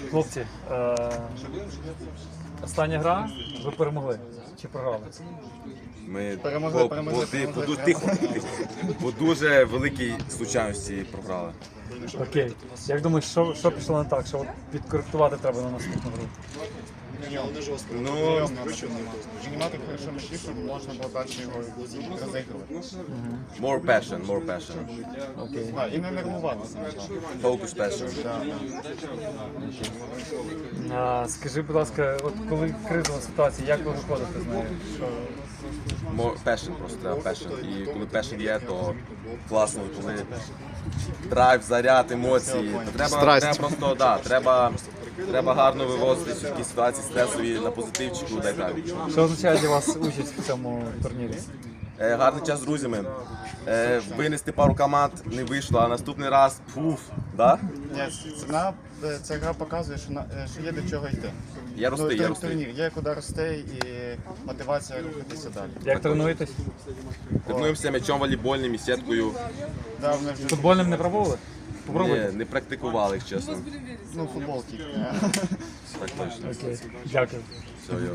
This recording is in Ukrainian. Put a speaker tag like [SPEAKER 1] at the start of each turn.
[SPEAKER 1] Хлопці, остання гра, ви перемогли чи програли?
[SPEAKER 2] Ми
[SPEAKER 3] Перемогли.
[SPEAKER 2] тихо. По дуже великій случайності програли.
[SPEAKER 1] Окей. Як думаєш, що пішло не так? Що от підкоректувати треба на наступну гру?
[SPEAKER 2] Ну,
[SPEAKER 3] Займати хорошо м'ячі, щоб можна було далі його розігрувати.
[SPEAKER 2] more passion.
[SPEAKER 1] Окей.
[SPEAKER 3] І не нервуватися.
[SPEAKER 2] Focus passion.
[SPEAKER 1] Скажи, будь ласка, от коли кризова ситуація, як ви виходите з нею? Що...
[SPEAKER 2] More passion, просто треба passion. І коли passion є, то класно, коли драйв, заряд, емоції. То треба просто, треба гарно вивозити всі такі ситуації стресові на позитивчику, дай так.
[SPEAKER 1] Що означає для вас участь в цьому турнірі?
[SPEAKER 2] Гарний час з друзями. Винести пару команд не вийшло, а наступний раз да?
[SPEAKER 3] Ця гра показує, що є до чого йти.
[SPEAKER 2] Я рости.
[SPEAKER 3] Турнір, є куди рости і мотивація рухатися далі.
[SPEAKER 1] Як тренуєтесь?
[SPEAKER 2] Тренуємося м'ячом волейбольним і сіткою.
[SPEAKER 3] Да, вони вже
[SPEAKER 1] Футбольним не пробували? Попробуйте.
[SPEAKER 2] Не практикували їх, чесно.
[SPEAKER 3] футболки.
[SPEAKER 2] Так точно.
[SPEAKER 1] Окей. Дякую.
[SPEAKER 2] Все, йо.